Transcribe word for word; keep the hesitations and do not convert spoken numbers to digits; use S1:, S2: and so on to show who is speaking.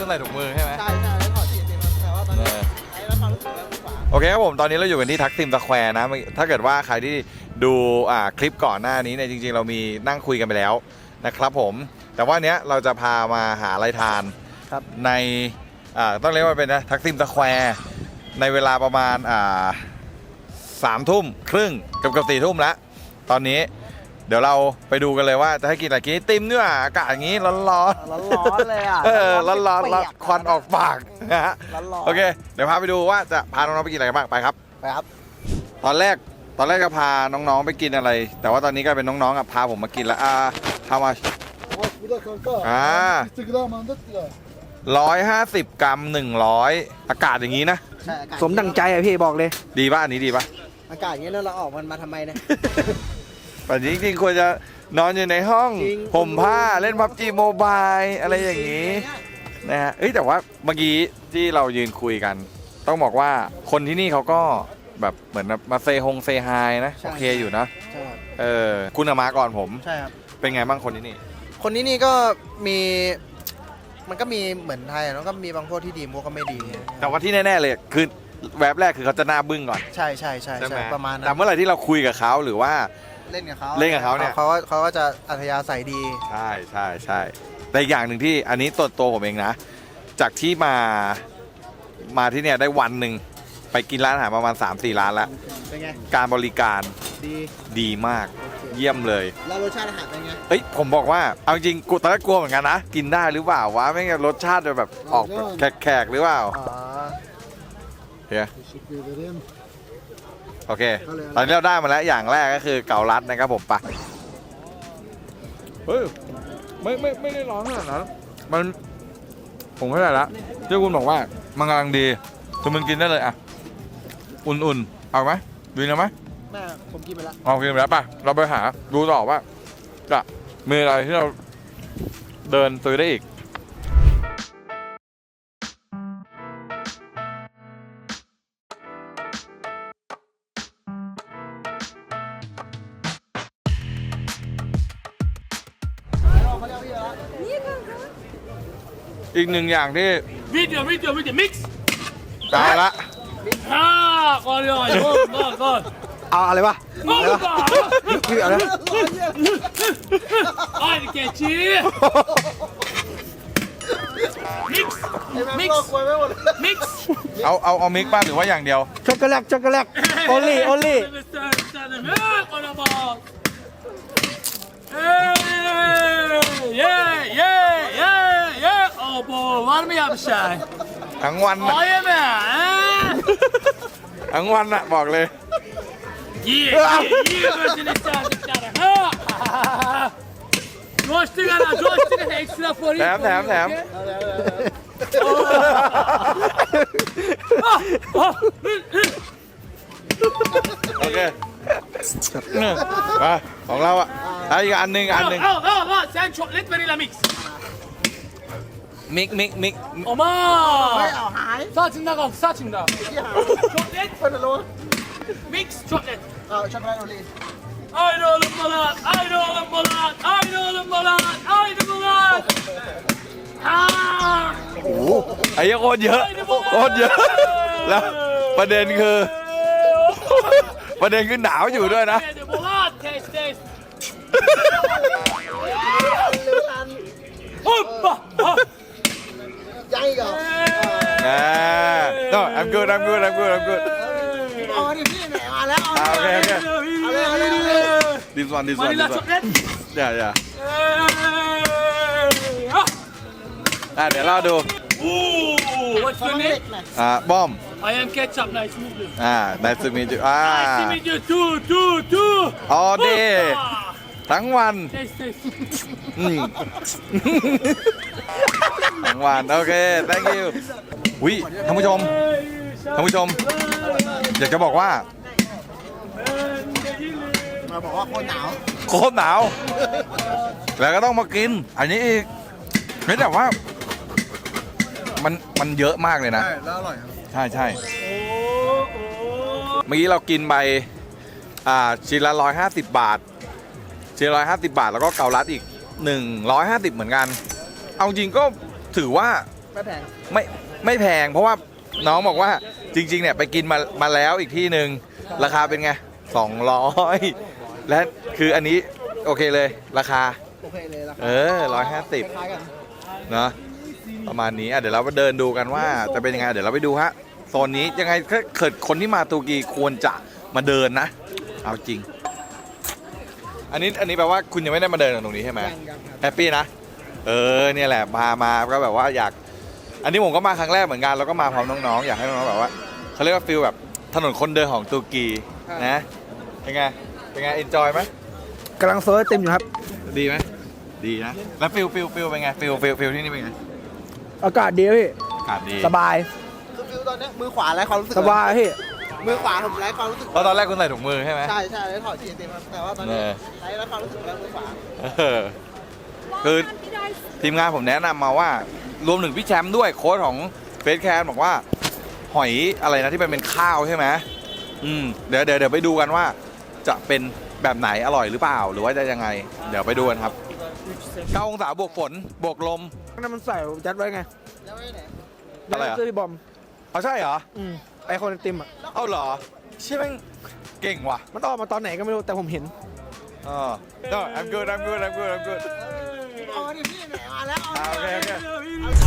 S1: ใส่ถุงมือใช่ไหม
S2: ใช่ใช่แล้วถอดสีเต็มแต่ว่าตอนนี้ไอ้แล้วความรู้สึกแล้วขวา
S1: โอเคครับผมตอนนี้เราอยู่กันที่ทักซิมสแควร์นะถ้าเกิดว่าใครที่ดูอ่าคลิปก่อนหน้านี้เนี่ยจริงๆเรามีนั่งคุยกันไปแล้วนะครับผมแต่ว่าเนี้ยเราจะพามาหาอะไรทานในอ่าต้องเรียกว่าเป็นนะทักซิมสแควร์ในเวลาประมาณอ่าสามทุ่มครึ่งเกือบเกือบสี่ทุ่มแล้วตอนนี้เดี๋ยวเราไปดูกันเลยว่าจะให้กินอะไรกินไอติมเนี่ยอากาศอย่างนี้ร้อนร้อน
S2: ร้อนๆเลยอ่ะ
S1: เออร้อนร้อนควันออกปากนะฮะ
S2: ร้อนๆ
S1: โอเคเดี๋ยวพาไปดูว่าจะพาน้องๆไปกินอะไรกันบ้างไปครับ
S2: ไปครับ
S1: ตอนแรกตอนแรกก็พาน้องๆไปกินอะไรแต่ว่าตอนนี้ก็เป็นน้องๆอ่ะพาผมมากินแล้วอ่าทำมาอ่าร้อยห้าสิบกรัมหนึ่งร้อยอากาศอย่างนี้นะ
S2: สมดังใจอ่ะพี่บอกเลย
S1: ดีป่ะอันนี้ดีป่ะ
S2: อากาศอย่างนี้แล้วเราออกมันมาทำไมเนี่ย
S1: แต่จริงๆควรจะนอนอยู่ในห้องห่มผ้าเล่นพับจีโมบายอะไรอย่างนี้นะฮะเอ้ยแต่ว่าเมื่อกี้ที่เรายืนคุยกันต้องบอกว่าคนที่นี่เขาก็แบบเหมือนมาเซฮงเซฮายนะโอเคอยู่นะเออคุณมาก่อนผม
S2: ใช่ครับ
S1: เป็นไงบ้างคนที่นี่
S2: คนที่นี่ก็มีมันก็มีเหมือนไทยแล้วก็มีบางพวกที่ดีพวกก็ไม่ดี
S1: แต่ว่าที่แน่ๆเลยคือแวบแรกคือเขาจะหน้าบึ้งก่อน
S2: ใช่ใช่ใช่ใช่ประมาณนั้น
S1: แต่เมื่อไหร่ที่เราคุยกับเขาหรือว่า
S2: เล่นกับเขา
S1: เล่นกับเขาเนี่ย
S2: เขาเขาก็จะอัธยาศัยดี
S1: ใช่ใช่ใช่แต่อย่างหนึ่งที่อันนี้ตัวตัวผมเองนะจากที่มามาที่เนี่ยได้วันหนึ่งไปกินร้านอาหารประมาณ สามสี่ ร้านแล้ว
S2: เป็นไง
S1: การบริการ
S2: ดี
S1: ดีมากเยี่ยมเลย
S2: แล้วรสชาติอาหารเป็นไง
S1: เอ้ยผมบอกว่าเอาจริงกูตอนแรกกลัวเหมือนกันนะกินได้หรือเปล่าวะไม่งั้นรสชาติจะแบบออกแขกๆหรือเปล่าเฮียโอเคตอนนี้เราได้มาแล้วอย่างแรกก็คือเกาลัดนะครับผมปะเฮ้ยไม่ไม่ไม่ได้ร้อนขนาดนั้นมันผมเข้าใจแล้วที่คุณบอกว่ามันกำลังดีคือมึงกินได้เลยอ่ะอุ่นๆเอาไหมดีนะไหม
S2: แม่ผมกินไปแล้ว
S1: เอากินไปแล้วป่ะเราไปหาดูต่อว่าจะมีอะไรที่เราเดินซื้อได้อีกอีกหนึ่งอย่างที่
S3: วิดีโอวิดีโอวิดีโอมิกซ์
S1: ได้ละ
S3: ฮ่าก่อนเลยก่อนก่อน
S2: เอาอะไรวะ
S3: อะไรวะ
S2: คืออะไร
S3: ไอ้เกจีมิกซ์มิกซ์มิกซ์
S1: เอาเอาเอามิกซ์บ้างหรือว่าอย่างเดียว
S2: ช็อกโกแลตช็อกโกแลตโอลี่โอลี่
S3: เย้เย้เย้เย้โอ้โหวันไม่อยากใช้
S1: ทั้งวัน
S3: อ๋อเย้แม่
S1: ทั้งวันอะบอกเลย
S3: เย้เย้เย้มาสิเนี่ยจ้าจ้าฮ่าโจชติกันนะโจชติกันเอ็กซ์ตร้าฟอร์
S1: แถมแถมแถมโอเคมาของเราอ่ะอีกอันหนึ่งอันหนึ่ง
S3: อ้าวอ้าวอ้าวฉันช็อกโกแลตวานิลามิกซ์
S1: มิกมิกมิก
S3: โอ้มา
S2: ไม่เอาหาย
S3: ซาจินดากับซาจินดาช็อกโกแลต
S2: เป็นอะไร
S3: มิกซ์ช็อกโกแลต
S2: เออช็อกโกแลตโอลี่
S3: ไอ้โดนบอลไอ้โดนบอลไอ้โดนบอลไอ้โดนบอลฮ่า
S1: โอ้โหไอ้โคตรเยอะโคตรเยอะแล้วประเด็นคือประเด็นคือหนาวอยู่ด้วยนะ
S2: ยังอีกเหรอ
S1: อ่า no I'm good I'm good I'm good I'm good
S2: อ๋อนี่พี่แหมมาแล้วโอ
S1: เคโอเค
S2: เอาเลยเอาเลยเอาเลย
S1: this one this one this one yeah yeah อ่ะเดี๋ยวเราดู
S3: What's your name
S1: อ่าบอม
S3: I am ketchup nice to meet you
S1: อ่า nice to meet you อ่า
S3: nice to meet you too too too
S1: all day ทั้งวันอืมทั้งวันโอเค thank you วิท่านผู้ชมท่านผู้ชมอยากจะบอกว่า
S2: มาบอกว่าโคตรหนาว
S1: โคตรหนาวแล้วก็ต้องมากินอันนี้อีกไม่แต่ว่ามันมันเยอะมากเลยนะ
S2: ใช่แล้วอร่อยครับ
S1: ใช่ใช่เมื่อกี้เรากินไปอ่าชิ้นละร้อยห้าสิบบาทชิ้นละร้อยห้าสิบบาทแล้วก็เกาลัดอีกหนึ่งร้อยห้าสิบเหมือนกันเอาจริงก็ถือว่า
S2: ไม่แพง
S1: ไม่ไม่แพงเพราะว่าน้องบอกว่าจริงๆเนี่ยไปกินมามาแล้วอีกที่หนึ่งราคาเป็นไงสองร้อยและคืออันนี้โอเคเลยราคา
S2: โอเคเลยราคา
S1: เออร้อยห้าสิบ
S2: คล้ายๆกัน
S1: เนาะประมาณนี้อ่ะเดี๋ยวเราไปเดินดูกันว่าจะเป็นยังไงเดี๋ยวเราไปดูฮะโซนนี้ยังไงถ้าเกิดคนที่มาตูกีควรจะมาเดินนะเอาจริง อันนี้อันนี้แปลว่าคุณยังไม่ได้มาเดินตรงนี้ใช่ไหม
S2: ยังยังครับ
S1: แฮปปี้นะเออเนี่ยแหละพามาก็แบบว่าอยาก อันนี้ผมก็มาครั้งแรกเหมือนกันแล้วก็มาพร้อมน้องๆอยากให้น้องๆแบบว่าเขาเรียกว่าฟิลแบบถนนคนเดินของตูกีนะเป็นไงเป็นไงเอนจอยไหม
S2: กำลังเซิร์ชเต็มอยู่ครับ
S1: ดีไหมดีนะแล้วฟิลฟิลฟิลเป็นไงฟิลฟิลฟิลที่นี่เป็นไง
S2: อากาศดีพี่
S1: อากาศดี
S2: สบายคือฟิวตอนนี้มือขวาไร้ความรู้สึกสบายพี่มือขวาผมไร้ความรู้สึก
S1: เพราะตอนแรกคุณใส่ถุงมือใช่ไหม
S2: ใช่ใช่แล้วถอดจีเต็มครับแต่ว่าตอนนี้
S1: เออ
S2: ไร้ความรู้สึกแล้วมือขวา
S1: เออคือทีมงานผมแนะนำมาว่ารวมถึงพี่แชมป์ด้วยโค้ชของเฟสแคนบอกว่าหอยอะไรนะที่มันเป็นข้าวใช่ไหมอืมเดี๋ยวเดี๋ยวเดี๋ยวไปดูกันว่า จะเป็นแบบไหนอร่อยหรือเปล่าหรือว่าจะยังไง เดี๋ยวไปดูกันครับเก้าองศาบวกฝนบวกลม
S2: นั่นมันใส่ยัดไว้ไงยัดไว้ไหน
S1: อะไรอะ
S2: ซื้อพี่บอม
S1: เอาใช่เหรอ
S2: อืมไอคนไอติมอ่ะ
S1: เอาเหรอใช่ไหมงเก่งว่ะ
S2: มันออกมาตอนไหนก็ไม่รู้แต่ผมเห็น
S1: อ๋อ no I'm good I'm good I'm good I'm good
S2: อ๋อนี่พี่ไหนมาแล้ว
S1: อ่าโอเคโอเค
S3: เ